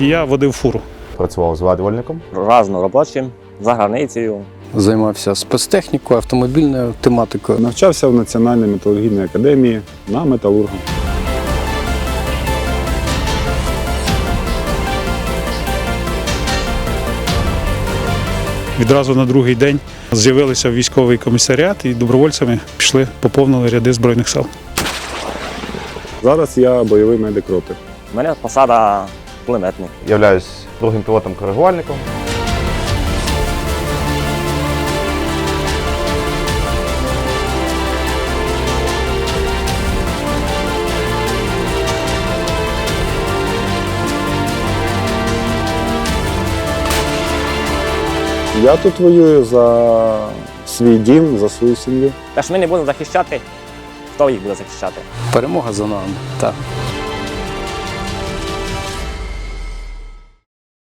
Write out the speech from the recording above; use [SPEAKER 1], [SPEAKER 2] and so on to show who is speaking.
[SPEAKER 1] водія водив фуру.
[SPEAKER 2] Працював зварювальником.
[SPEAKER 3] Разноробочим, за границею.
[SPEAKER 4] Займався спецтехнікою, автомобільною тематикою.
[SPEAKER 5] Навчався в Національній металургійній академії на металурга.
[SPEAKER 1] Відразу на другий день з'явилися в військовий комісаріат і добровольцями пішли, поповнили ряди Збройних сил.
[SPEAKER 5] Зараз я бойовий медик роти.
[SPEAKER 3] У мене посада кулеметник.
[SPEAKER 2] Являюсь другим пілотом-коригувальником.
[SPEAKER 5] Я тут воюю за свій дім, за свою сім'ю.
[SPEAKER 3] Те, що ми не будемо захищати, хто їх буде захищати?
[SPEAKER 4] Перемога за нами. Так.